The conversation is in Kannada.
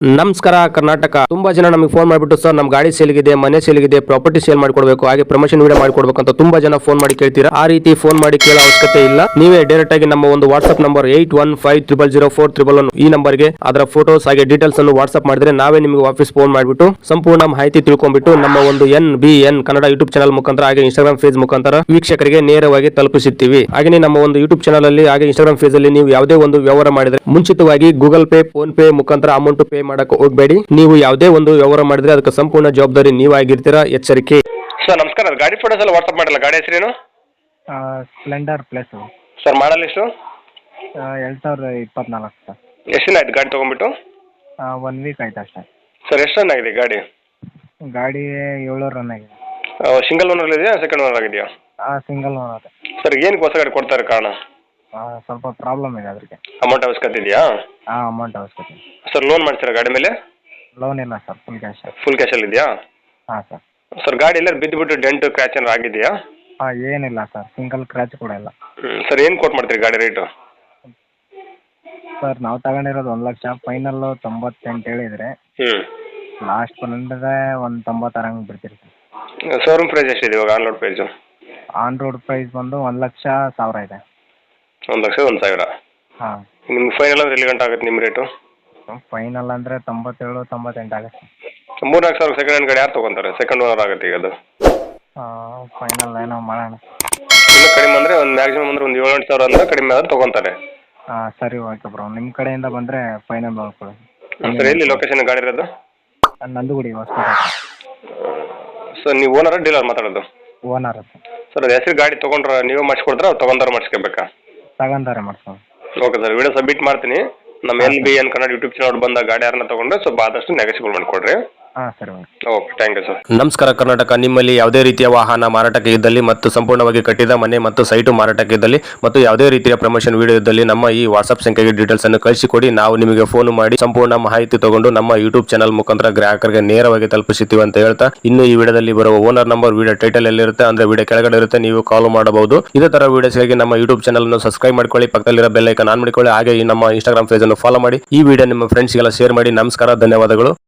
ನಮಸ್ಕಾರ ಕರ್ನಾಟಕ. ತುಂಬಾ ಜನ ನಮಗೆ ಫೋನ್ ಮಾಡಿಬಿಟ್ಟು ಸರ್ ನಮ್ಮ ಗಾಡಿ ಸೇಲ್ಗಿದೆ, ಮನೆ ಸೇಲ್ಗಿದೆ, ಪ್ರಾಪರ್ಟಿ ಸೇಲ್ ಮಾಡ್ಕೊಡ್ಬೇಕು, ಹಾಗೆ ಪ್ರಮೋಷನ್ ವಿಡಿಯೋ ಮಾಡ್ಕೊಡ್ಬೇಕು ಅಂತ ತುಂಬಾ ಜನ ಫೋನ್ ಮಾಡಿ ಕೇಳ್ತೀರಾ. ಆ ರೀತಿ ಫೋನ್ ಮಾಡಿ ಕೇಳೋ ಅವಶ್ಯಕತೆ ಇಲ್ಲ. ನೀವೇ ಡೈರೆಕ್ಟ್ ಆಗಿ ನಮ್ಮ ಒಂದು ವಾಟ್ಸ್ಆಪ್ ನಂಬರ್ 81500411 ಈ ನಂಬರ್ಗೆ ಅದರ ಫೋಟೋಸ್ ಹಾಗೆ ಡೀಟೇಲ್ಸ್ ಅನ್ನು ವಾಟ್ಸ್ಆಪ್ ಮಾಡಿದ್ರೆ ನಾವೇ ನಿಮಗೆ ವಾಪಸ್ ಫೋನ್ ಮಾಡಿಬಿಟ್ಟು ಸಂಪೂರ್ಣ ಮಾಹಿತಿ ತಿಳ್ಕೊಂಡ್ಬಿಟ್ಟು ನಮ್ಮ ಒಂದು NBN ಕನ್ನಡ ಯೂಟ್ಯೂಬ್ ಚಾನಲ್ ಮುಖಾಂತರ ಹಾಗೆ ಇನ್ಸ್ಟಾಗ್ರಾಮ್ ಪೇಜ್ ಮುಖಾಂತರ ವೀಕ್ಷಕರಿಗೆ ನೇರವಾಗಿ ತಲುಪಿಸುತ್ತೀವಿ. ಹಾಗೆ ನಮ್ಮ ಒಂದು ಯೂಟ್ಯೂಬ್ ಚಾನಲ್ ಅಲ್ಲಿ ಹಾಗೆ ಇನ್ಸ್ಟಾಗ್ರಾಮ್ ಪೇಜ್ ಅಲ್ಲಿ ನೀವು ಯಾವುದೇ ಒಂದು ವ್ಯವಹಾರ ಮಾಡಿದ್ರೆ ಮುಂಚಿತವಾಗಿ ಗೂಗಲ್ ಪೇ, ಫೋನ್ ಪೇ ಮುಖಾಂತರ ಅಮೌಂಟ್ ಪೇ ಮಾಡಕ್ಕೆ ಹೋಗಬೇಡಿ. ನೀವು ಯಾವುದೇ ಒಂದು ವ್ಯವಹಾರ ಮಾಡಿದ್ರೆ ಅದಕ್ಕೆ ಸಂಪೂರ್ಣ ಜವಾಬ್ದಾರಿ ನೀವಾಗಿರ್ತೀರಾ, ಎಚ್ಚರಿಕೆ. ಸರ್ ನಮಸ್ಕಾರ, ಗಾಡಿ ಫೋಟೋಸ್ ಎಲ್ಲ ವಾಟ್ಸ್ಆಪ್ ಮಾಡಿಲ್ಲ. ಗಾಡಿ ಹೆಸರೇನು? ಸ್ಪ್ಲೆಂಡರ್ ಪ್ಲಸ್ ಸರ್ ಮಾಡಲ್ ಎಷ್ಟು? 2024 ಸರ್. ಎಷ್ಟು ದಿನ ಆಯ್ತು ಗಾಡಿ ತೊಗೊಂಡ್ಬಿಟ್ಟು? 1 ವೀಕ್ ಆಯ್ತು ಅಷ್ಟೇ. ಸರ್ ಎಷ್ಟು ರನ್ ಆಗಿದೆ ಗಾಡಿ? ಗಾಡಿ 7 ರನ್ ಆಗಿದೆ. ಸಿಂಗಲ್ ಓನರ್ ಇದೆಯಾ, ಸೆಕೆಂಡ್ ಓನರ್ ಆಗಿದೆಯಾ? Single owner. ಸರ್ ಏನಕ್ಕೆ ಹೊಸ ಗಾಡಿ ಕೊಡ್ತಾರೆ ಕಾರಣ? ಸ್ವಲ್ಪ ಪ್ರಾಬ್ಲಮ್ ಇದೆ ಅದಕ್ಕೆ. ಅಮೌಂಟ್ ಅವಶ್ಯಕತೆ ಇದೆಯಾ? ಅಮೌಂಟ್ ಅವಶ್ಯಕತೆ. ಸರ್ ಲೋನ್ ಮಾಡ್ತೀರಾ ಗಾಡಿ ಮೇಲೆ? ಲೋನ್ ಇಲ್ಲ ಸರ್, ಫುಲ್ ಕ್ಯಾಶ್. ಫುಲ್ ಕ್ಯಾಶಲ್ಲಿ ಇದೆಯಾ? ಹಾಂ ಸರ್. ಸರ್ ಗಾಡಿ ಎಲ್ಲ ಬಿದ್ದುಬಿಟ್ಟು ಡೆಂಟ್ ಕ್ರ್ಯಾಚ್ ಏನಾರು ಆಗಿದೆಯಾ? ಏನಿಲ್ಲ ಸರ್, ಸಿಂಗಲ್ ಕ್ರ್ಯಾಚ್ ಕೂಡ ಇಲ್ಲ. ಸರ್ ಏನು ಕೊಟ್ಟು ಮಾಡ್ತೀರಿ ಗಾಡಿ ರೇಟು? ಸರ್ ನಾವು ತಗೊಂಡಿರೋದು 1 ಲಕ್ಷ, ಫೈನಲ್ಲು 98 ಹೇಳಿದರೆ ಲಾಸ್ಟ್ ಬಂದರೆ 190 ಹಂಗೆ ಬಿಡ್ತೀರಿ ಸರ್. ಶೋರೂಮ್ ಪ್ರೈಸ್ ಎಷ್ಟಿದೆ ಇವಾಗ on road price? On road price ಬಂದು 1,00,000 ಇದೆ. 1,01,000. ಹಾಂ. ನಿಮ್ಗೆ ಫೈನಲ್ ಅಂದ್ರೆ ಎಲ್ಲಿ ಗಂಟೆ ಆಗುತ್ತೆ ನಿಮ್ಮ ರೇಟು? ಫೈನಲ್ ಅಂದರೆ 97-98 ಆಗುತ್ತೆ. 3-4 ಸಾವಿರ ಸೆಕೆಂಡ್ ಹ್ಯಾಂಡ್ ಗಾಡಿ ಯಾರು ತೊಗೊಂತಾರೆ? ಸೆಕೆಂಡ್ ಓನರ್ ಆಗುತ್ತೆ ಈಗ ಅದು. ಫೈನಲ್ ಏನೋ ಮಾಡೋಣ. ಇನ್ನೂ ಕಡಿಮೆ ಅಂದರೆ ಒಂದು ಮ್ಯಾಕ್ಸಿಮಮ್ ಅಂದರೆ ಒಂದು 7-8 ಸಾವಿರ ಅಂದರೆ ಕಡಿಮೆ ಆದ್ರೆ ತೊಗೊತಾರೆ. ಸರಿ ಓಕೆ ಬ್ರೋ, ನಿಮ್ಮ ಕಡೆಯಿಂದ ಬಂದರೆ ಫೈನಲ್ ಮಾಡ್ಕೊಡಿ. ಸರ್ ಎಲ್ಲಿ ಲೊಕೇಶನ್ ಗಾಡಿ ಇರೋದು? ನಂದುಗುಡಿ ಹೊಸಪೇಟೆ. ಸರ್ ನೀವು ಓನರ ಡೀಲರ್ ಮಾತಾಡೋದು? Owner sir. ಸರ್ ಅದು ಹೆಸರು ಗಾಡಿ ತೊಗೊಂಡ್ರೆ ನೀವೇ ಮಾಡಿಸ್ಕೊಡ್ತಾರೆ, ಅವ್ರು ತೊಗೊಂಡಾರ ಮಾಡಿಸ್ಕೋಬೇಕಾ? ತಗೊಂಡಾರೆ ಮಾಡ್ಕೊಂಡು. ಓಕೆ ಸರ್, ವಿಡಿಯೋ ಸಬ್ಮಿಟ್ ಮಾಡ್ತೀನಿ. ನಮ್ಮ NBN ಕನ್ನಡ ಯೂಟ್ಯೂಬ್ ಚಾನಲ್ ಬಂದ ಗಾಡಿ ಯಾರನ್ನ ತೊಗೊಂಡ್ರೆ ಸ್ವಲ್ಪ ಆದಷ್ಟು ನೆಗೆಸಿಬಲ್ ಮಾಡಿಕೊಡ್ರಿ. ಸರಿ ಓಕೆ, ಥ್ಯಾಂಕ್ ಯು ಸರ್. ನಮಸ್ಕಾರ ಕರ್ನಾಟಕ. ನಿಮ್ಮಲ್ಲಿ ಯಾವುದೇ ರೀತಿಯ ವಾಹನ ಮಾರಾಟಕ್ಕೆ ಇದ್ದಲ್ಲಿ ಮತ್ತು ಸಂಪೂರ್ಣವಾಗಿ ಕಟ್ಟಿದ ಮನೆ ಮತ್ತು ಸೈಟು ಮಾರಾಟಕ್ಕೆ ಇದ್ದಲ್ಲಿ ಮತ್ತು ಯಾವುದೇ ರೀತಿಯ ಪ್ರಮೋಷನ್ ವಿಡಿಯೋ ಇದ್ದಲ್ಲಿ ನಮ್ಮ ಈ ವಾಟ್ಸ್ಆಪ್ ಸಂಖ್ಯೆಗೆ ಡೀಟೇಲ್ಸ್ ಅನ್ನು ಕಳಿಸಿಕೊಡಿ. ನಾವು ನಿಮಗೆ ಫೋನ್ ಮಾಡಿ ಸಂಪೂರ್ಣ ಮಾಹಿತಿ ತಗೊಂಡು ನಮ್ಮ ಯೂಟ್ಯೂಬ್ ಚಾನಲ್ ಮುಖಾಂತರ ಗ್ರಾಹಕರಿಗೆ ನೇರವಾಗಿ ತಲುಪಿಸುತ್ತೀವಿ ಅಂತ ಹೇಳ್ತಾ, ಇನ್ನು ಈ ವಿಡಿಯೋದಲ್ಲಿ ಬರುವ ಓನರ್ ನಂಬರ್ ವಿಡಿಯೋ ಟೈಟಲ್ ಎಲ್ಲಿರುತ್ತೆ ಅಂದ್ರೆ ವಿಡಿಯೋ ಕೆಳಗಡೆ ಇರುತ್ತೆ, ನೀವು ಕಾಲ್ ಮಾಡಬಹುದು. ಇದೇ ತರ ವಿಡಿಯೋಸ್ಗಾಗಿ ನಮ್ಮ ಯೂಟ್ಯೂಬ್ ಚಾನಲ್ ಅನ್ನು ಸಬ್ಸ್ಕ್ರೈಬ್ ಮಾಡ್ಕೊಳ್ಳಿ, ಪಕ್ಕದಲ್ಲಿರೋ ಬೆಲ್ ಐಕಾನ್ ಆನ್ ಮಾಡಿಕೊಳ್ಳಿ, ಹಾಗೆ ಈ ನಮ್ಮ ಇನ್ಸ್ಟಾಗ್ರಾಮ್ ಪೇಜ್ ಅನ್ನು ಫಾಲೋ ಮಾಡಿ. ಈ ವಿಡಿಯೋ ನಿಮ್ಮ ಫ್ರೆಂಡ್ಸ್ಗೆಲ್ಲ ಶೇರ್ ಮಾಡಿ. ನಮಸ್ಕಾರ, ಧನ್ಯವಾದಗಳು.